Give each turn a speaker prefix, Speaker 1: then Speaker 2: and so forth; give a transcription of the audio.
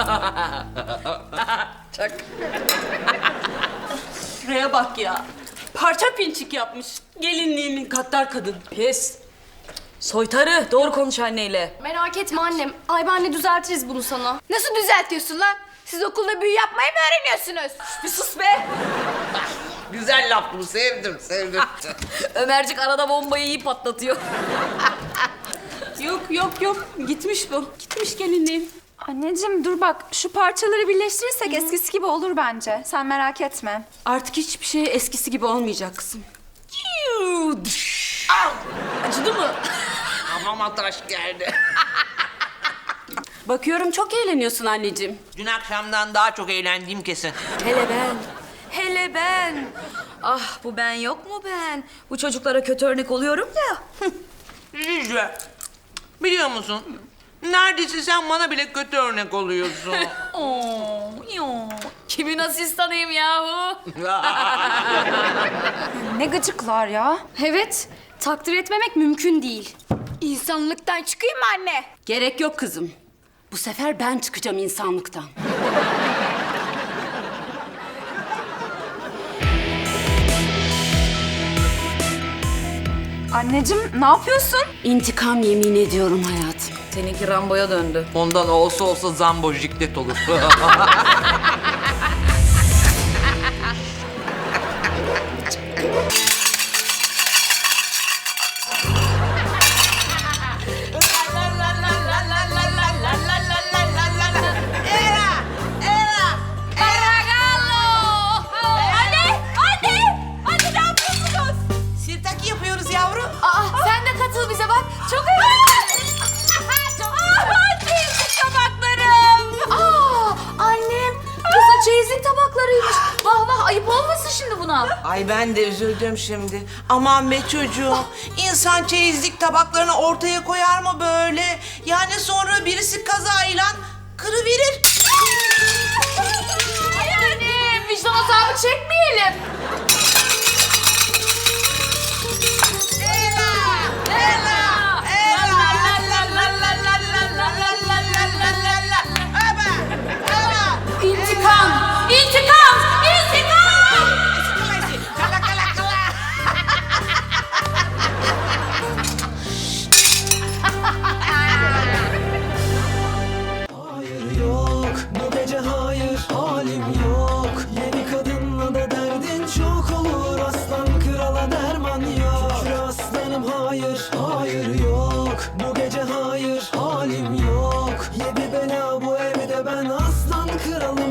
Speaker 1: Çak.
Speaker 2: Şuraya bak ya. Parça pinçik yapmış. Gelinliğimin katlar kadın.
Speaker 1: Pes. Soytarı, doğru konuş anneyle.
Speaker 3: Merak etme annem. Ay benle düzeltiriz bunu sana.
Speaker 4: Nasıl düzeltiyorsun lan? Siz okulda büyü yapmayı mı öğreniyorsunuz?
Speaker 1: Bir sus be.
Speaker 5: Güzel laf bu, sevdim.
Speaker 1: Ömercik arada bombayı iyi patlatıyor.
Speaker 2: Yok. Gitmiş bu. Gitmiş gelinliğim.
Speaker 6: Anneciğim dur bak, şu parçaları birleştirirsek eskisi gibi olur bence. Sen merak etme.
Speaker 2: Artık hiçbir şey eskisi gibi olmayacak kızım.
Speaker 1: Acıdı mı?
Speaker 5: Hamama taş geldi.
Speaker 2: Bakıyorum çok eğleniyorsun anneciğim.
Speaker 5: Dün akşamdan daha çok eğlendiğim kesin.
Speaker 1: Hele ben. Ah bu ben yok mu ben? Bu çocuklara kötü örnek oluyorum ya.
Speaker 5: Rica. Biliyor musun? Neredeyse sen bana bile kötü örnek oluyorsun.
Speaker 1: Kimin asistanıyım yahu?
Speaker 6: Ne gıcıklar ya.
Speaker 3: Evet. Takdir etmemek mümkün değil.
Speaker 4: İnsanlıktan çıkayım mı anne?
Speaker 2: Gerek yok kızım. Bu sefer ben çıkacağım insanlıktan.
Speaker 6: Anneciğim ne yapıyorsun?
Speaker 2: İntikam yemin ediyorum hayatım.
Speaker 1: Seninki Rambo'ya döndü.
Speaker 5: Ondan olsa Zambo jiklet olur. Sirtaki yapıyoruz yavrum.
Speaker 4: Aa, sen de katıl bize bak. Çok eğlenceli. Çeyizlik tabaklarım. Annem. Kızın çeyizlik tabaklarıymış. Vah vah, ayıp olmasın şimdi buna.
Speaker 5: Ay ben de üzüldüm şimdi. Aman be çocuğum. İnsan çeyizlik tabaklarını ortaya koyar mı böyle? Yani sonra birisi kazayla kırıverir.
Speaker 4: Ay annem, vicdan azabı çekmeyelim. İntikam! İntikam! İntikam!
Speaker 7: Hayır yok, bu gece hayır, halim yok. Yeni kadınla da derdin çok olur, aslan krala derman yok. Şükür aslanım hayır, hayır yok. Bu gece hayır, halim yok. Yedi bela bu evde, ben aslan kralım.